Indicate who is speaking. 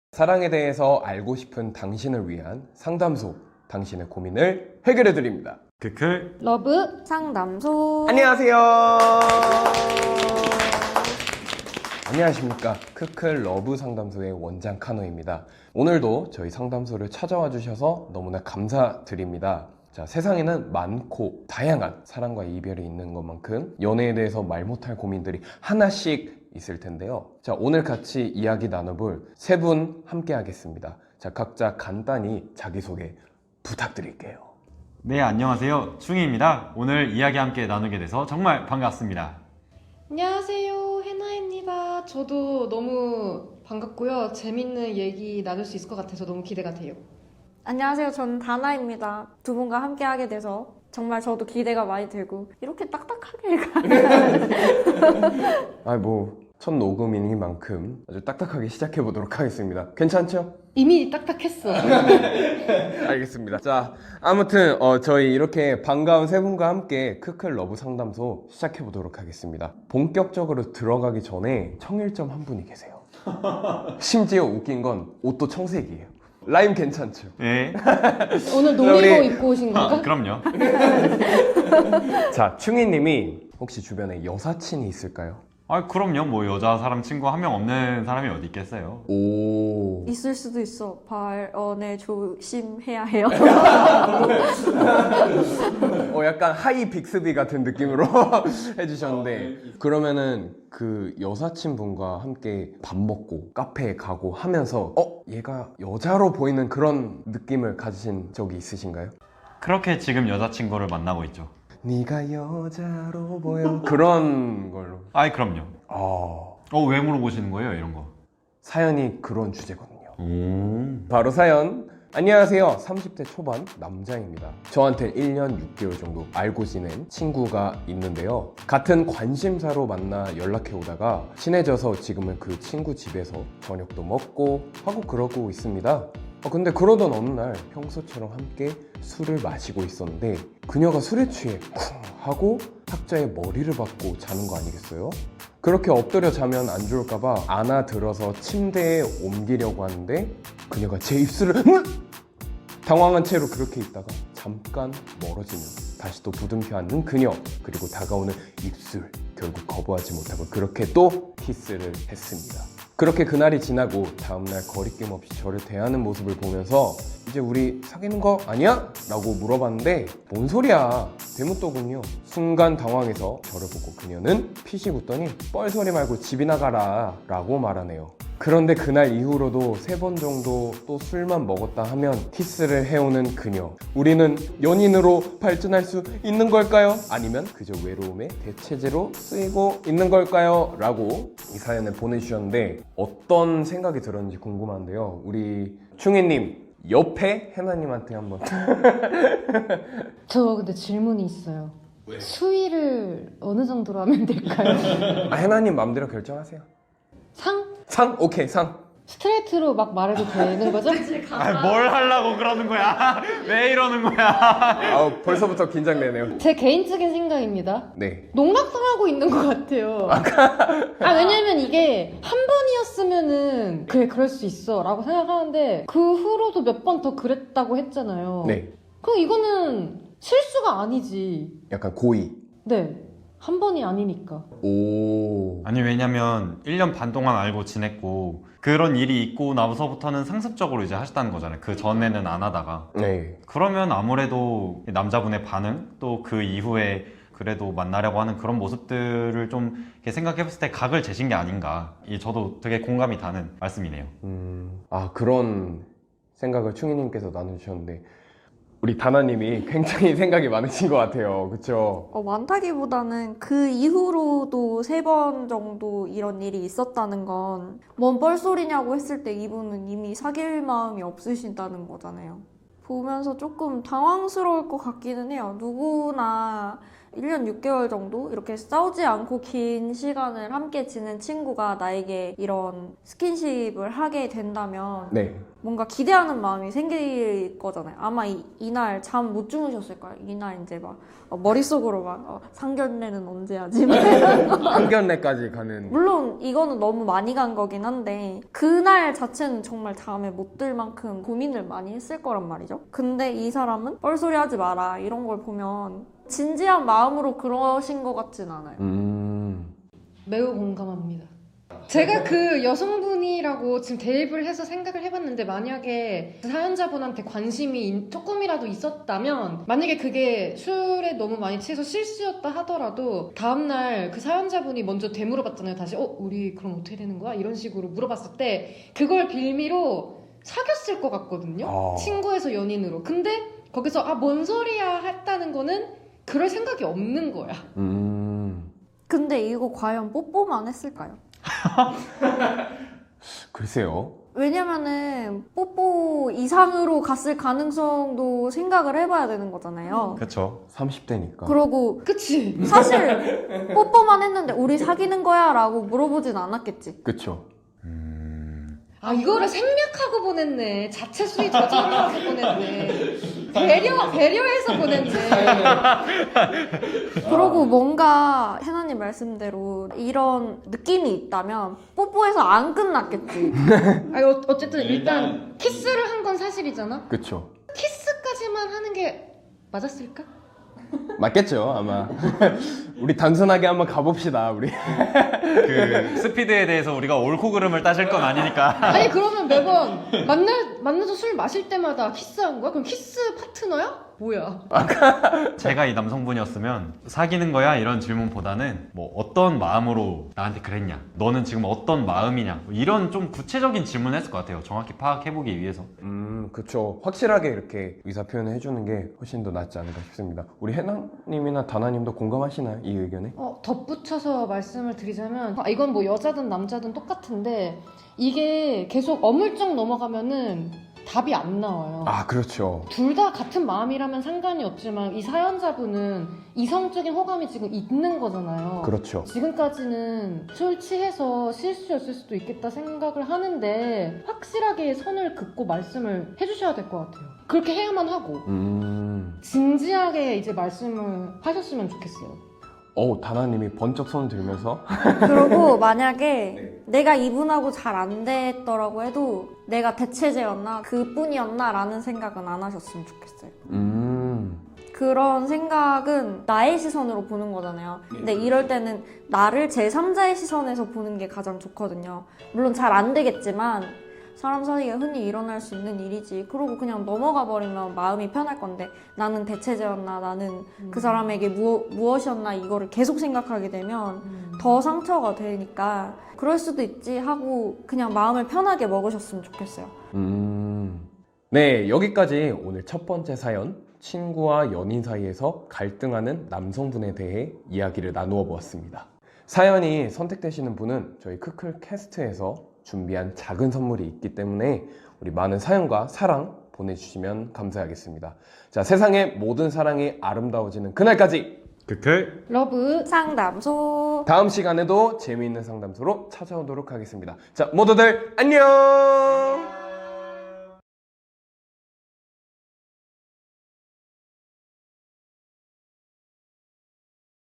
Speaker 1: 사랑에 대해서 알고 싶은 당신을 위한 상담소, 당신의 고민을 해결해 드립니다.
Speaker 2: 크클
Speaker 3: 러브 상담소.
Speaker 1: 안녕하세요. 안녕하십니까. 크클 러브 상담소의 원장 카노입니다. 오늘도 저희 상담소를 찾아와 주셔서 너무나 감사드립니다. 자, 세상에는 많고 다양한 사랑과 이별이 있는 것만큼 연애에 대해서 말 못할 고민들이 하나씩 있을 텐데요. 자, 오늘 같이 이야기 나눠볼 세 분 함께 하겠습니다. 자, 각자 간단히 자기소개 부탁드릴게요.
Speaker 2: 네, 안녕하세요. 충희입니다. 오늘 이야기 함께 나누게 돼서 정말 반갑습니다.
Speaker 3: 안녕하세요, 해나입니다. 저도 너무 반갑고요. 재밌는 얘기 나눌 수 있을 것 같아서 너무 기대가 돼요.
Speaker 4: 안녕하세요. 저는 다나입니다. 두 분과 함께 하게 돼서 정말 저도 기대가 많이 되고 이렇게 딱딱하게
Speaker 1: 첫 녹음이니만큼 아주 딱딱하게 시작해 보도록 하겠습니다. 괜찮죠?
Speaker 3: 이미 딱딱했어.
Speaker 1: 알겠습니다. 자, 아무튼 저희 이렇게 반가운 세 분과 함께 크클 러브 상담소 시작해 보도록 하겠습니다. 본격적으로 들어가기 전에 청일점 한 분이 계세요. 심지어 웃긴 건 옷도 청색이에요. 라임 괜찮죠?
Speaker 2: 네,
Speaker 3: 오늘 놀이복 입고 오신 건가?
Speaker 2: 그럼요.
Speaker 1: 자, 충희님이 혹시 주변에 여사친이 있을까요?
Speaker 2: 그럼요. 뭐 여자 사람 친구 한 명 없는 사람이 어디 있겠어요.
Speaker 1: 오.
Speaker 4: 있을 수도 있어. 발언에 조심해야 해요.
Speaker 1: 약간 하이 빅스비 같은 느낌으로 해주셨는데 그러면은 그 여사친분과 함께 밥 먹고 카페에 가고 하면서 얘가 여자로 보이는 그런 느낌을 가지신 적이 있으신가요?
Speaker 2: 그렇게 지금 여자친구를 만나고 있죠.
Speaker 1: 네가 여자로 보여 그런 걸로.
Speaker 2: 그럼요. 왜 물어보시는 거예요, 이런 거?
Speaker 1: 사연이 그런 주제거든요.
Speaker 2: 오.
Speaker 1: 바로 사연. 안녕하세요. 30대 초반 남자입니다. 저한테 1년 6개월 정도 알고 지낸 친구가 있는데요. 같은 관심사로 만나 연락해 오다가 친해져서 지금은 그 친구 집에서 저녁도 먹고 하고 그러고 있습니다. 근데 그러던 어느 날 평소처럼 함께 술을 마시고 있었는데 그녀가 술에 취해 쿵 하고 탁자에 머리를 박고 자는 거 아니겠어요? 그렇게 엎드려 자면 안 좋을까봐 안아들어서 침대에 옮기려고 하는데 그녀가 제 입술을 당황한 채로 그렇게 있다가 잠깐 멀어지면 다시 또 부둥켜 안는 그녀, 그리고 다가오는 입술, 결국 거부하지 못하고 그렇게 또 키스를 했습니다. 그렇게 그날이 지나고 다음날 거리낌 없이 저를 대하는 모습을 보면서 이제 우리 사귀는 거 아니야? 라고 물어봤는데 뭔 소리야? 대문또군요. 순간 당황해서 저를 보고 그녀는 피식 웃더니 뻘소리 말고 집이나 가라 라고 말하네요. 그런데 그날 이후로도 3번 정도 또 술만 먹었다 하면 키스를 해오는 그녀. 우리는 연인으로 발전할 수 있는 걸까요? 아니면 그저 외로움의 대체제로 쓰이고 있는 걸까요? 라고 이 사연을 보내주셨는데 어떤 생각이 들었는지 궁금한데요. 우리 충희님 옆에 해나님한테 한번.
Speaker 3: 저 근데 질문이 있어요. 왜? 수위를 어느 정도로 하면 될까요?
Speaker 1: 해나님 마음대로 결정하세요.
Speaker 3: 상?
Speaker 1: 상? 오케이, 상.
Speaker 3: 스트레이트로 막 말해도 되는 거죠?
Speaker 2: 뭘 하려고 그러는 거야? 왜 이러는 거야?
Speaker 1: 벌써부터 긴장되네요.
Speaker 3: 제 개인적인 생각입니다.
Speaker 1: 네.
Speaker 3: 농락당하고 있는 것 같아요. 왜냐면 이게 한 번이었으면은 그래 그럴 수 있어 라고 생각하는데 그 후로도 몇 번 더 그랬다고 했잖아요.
Speaker 1: 네.
Speaker 3: 그럼 이거는 실수가 아니지.
Speaker 1: 약간 고의.
Speaker 3: 네. 한 번이 아니니까.
Speaker 1: 오.
Speaker 2: 아니, 왜냐면 1년 반 동안 알고 지냈고 그런 일이 있고 나서부터는 상습적으로 이제 하셨다는 거잖아요. 그 전에는 안 하다가.
Speaker 1: 네.
Speaker 2: 그러면 아무래도 남자분의 반응, 또 그 이후에 그래도 만나려고 하는 그런 모습들을 좀 이렇게 생각해봤을 때 각을 재신 게 아닌가. 저도 되게 공감이 가는 말씀이네요.
Speaker 1: 그런 생각을 충희님께서 나눠주셨는데 우리 다나님이 굉장히 생각이 많으신 것 같아요. 그쵸?
Speaker 4: 많다기보다는 그 이후로도 3번 정도 이런 일이 있었다는 건 뭔 뻘소리냐고 했을 때 이분은 이미 사귈 마음이 없으신다는 거잖아요. 보면서 조금 당황스러울 것 같기는 해요. 누구나 1년 6개월 정도 이렇게 싸우지 않고 긴 시간을 함께 지낸 친구가 나에게 이런 스킨십을 하게 된다면
Speaker 1: 네.
Speaker 4: 뭔가 기대하는 마음이 생길 거잖아요. 아마 이날 잠 못 주무셨을 거예요. 이날 이제 막 머릿속으로 막 상견례는 언제 하지?
Speaker 1: 상견례까지 가는.
Speaker 4: 물론 이거는 너무 많이 간 거긴 한데 그날 자체는 정말 잠에 못 들 만큼 고민을 많이 했을 거란 말이죠. 근데 이 사람은 뻘소리 하지 마라 이런 걸 보면 진지한 마음으로 그러신 것 같진 않아요.
Speaker 3: 매우 공감합니다. 제가 그 여성분이라고 지금 대입을 해서 생각을 해봤는데 만약에 그 사연자분한테 관심이 조금이라도 있었다면 만약에 그게 술에 너무 많이 취해서 실수였다 하더라도 다음날 그 사연자분이 먼저 되물어봤잖아요. 다시 우리 그럼 어떻게 되는 거야? 이런 식으로 물어봤을 때 그걸 빌미로 사귀었을 것 같거든요. 친구에서 연인으로. 근데 거기서 뭔 소리야 했다는 거는 그럴 생각이 없는 거야.
Speaker 4: 근데 이거 과연 뽀뽀만 했을까요?
Speaker 1: 글쎄요.
Speaker 4: 왜냐면은 뽀뽀 이상으로 갔을 가능성도 생각을 해봐야 되는 거잖아요.
Speaker 2: 그렇죠.
Speaker 1: 30대니까.
Speaker 4: 그러고
Speaker 3: 그치?
Speaker 4: 사실 뽀뽀만 했는데 우리 사귀는 거야? 라고 물어보진 않았겠지.
Speaker 1: 그쵸.
Speaker 3: 이거를 생략하고 보냈네. 자체 수위 저절로 해서 보냈네. 배려해서 보냈네.
Speaker 4: 그러고 뭔가 해나님 말씀대로 이런 느낌이 있다면 뽀뽀해서 안 끝났겠지.
Speaker 3: 어쨌든 일단 키스를 한 건 사실이잖아.
Speaker 1: 그쵸.
Speaker 3: 키스까지만 하는 게 맞았을까?
Speaker 1: 맞겠죠, 아마. 우리 단순하게 한번 가봅시다, 우리.
Speaker 2: 그 스피드에 대해서 우리가 옳고 그름을 따질 건 아니니까.
Speaker 3: 아니 그러면 매번 만나서 술 마실 때마다 키스한 거야? 그럼 키스 파트너야? 뭐야?
Speaker 2: 제가 이 남성분이었으면 사귀는 거야? 이런 질문보다는 뭐 어떤 마음으로 나한테 그랬냐? 너는 지금 어떤 마음이냐? 뭐 이런 좀 구체적인 질문을 했을 것 같아요. 정확히 파악해보기 위해서.
Speaker 1: 그쵸. 확실하게 이렇게 의사 표현을 해주는 게 훨씬 더 낫지 않을까 싶습니다. 우리 해나님이나 다나님도 공감하시나요? 이 의견에?
Speaker 3: 덧붙여서 말씀을 드리자면 이건 뭐 여자든 남자든 똑같은데 이게 계속 어물쩍 넘어가면은 답이 안 나와요.
Speaker 1: 그렇죠.
Speaker 3: 둘 다 같은 마음이라면 상관이 없지만 이 사연자분은 이성적인 호감이 지금 있는 거잖아요.
Speaker 1: 그렇죠.
Speaker 3: 지금까지는 술 취해서 실수였을 수도 있겠다 생각을 하는데 확실하게 선을 긋고 말씀을 해주셔야 될 것 같아요. 그렇게 해야만 하고 진지하게 이제 말씀을 하셨으면 좋겠어요.
Speaker 1: 다나님이 번쩍 손을 들면서
Speaker 4: 그리고 만약에 내가 이분하고 잘 안 됐더라고 해도 내가 대체제였나? 그뿐이었나? 라는 생각은 안 하셨으면 좋겠어요. 그런 생각은 나의 시선으로 보는 거잖아요. 근데 이럴 때는 나를 제3자의 시선에서 보는 게 가장 좋거든요. 물론 잘 안 되겠지만 사람 사이에 흔히 일어날 수 있는 일이지. 그러고 그냥 넘어가 버리면 마음이 편할 건데 나는 대체제였나? 나는 그 사람에게 무엇이었나? 이거를 계속 생각하게 되면 더 상처가 되니까 그럴 수도 있지 하고 그냥 마음을 편하게 먹으셨으면 좋겠어요.
Speaker 1: 네, 여기까지 오늘 첫 번째 사연, 친구와 연인 사이에서 갈등하는 남성분에 대해 이야기를 나누어 보았습니다. 사연이 선택되시는 분은 저희 크클 캐스트에서 준비한 작은 선물이 있기 때문에 우리 많은 사연과 사랑 보내주시면 감사하겠습니다. 자, 세상의 모든 사랑이 아름다워지는 그날까지
Speaker 2: 크클
Speaker 3: 러브
Speaker 4: 상담소.
Speaker 1: 다음 시간에도 재미있는 상담소로 찾아오도록 하겠습니다. 자, 모두들 안녕!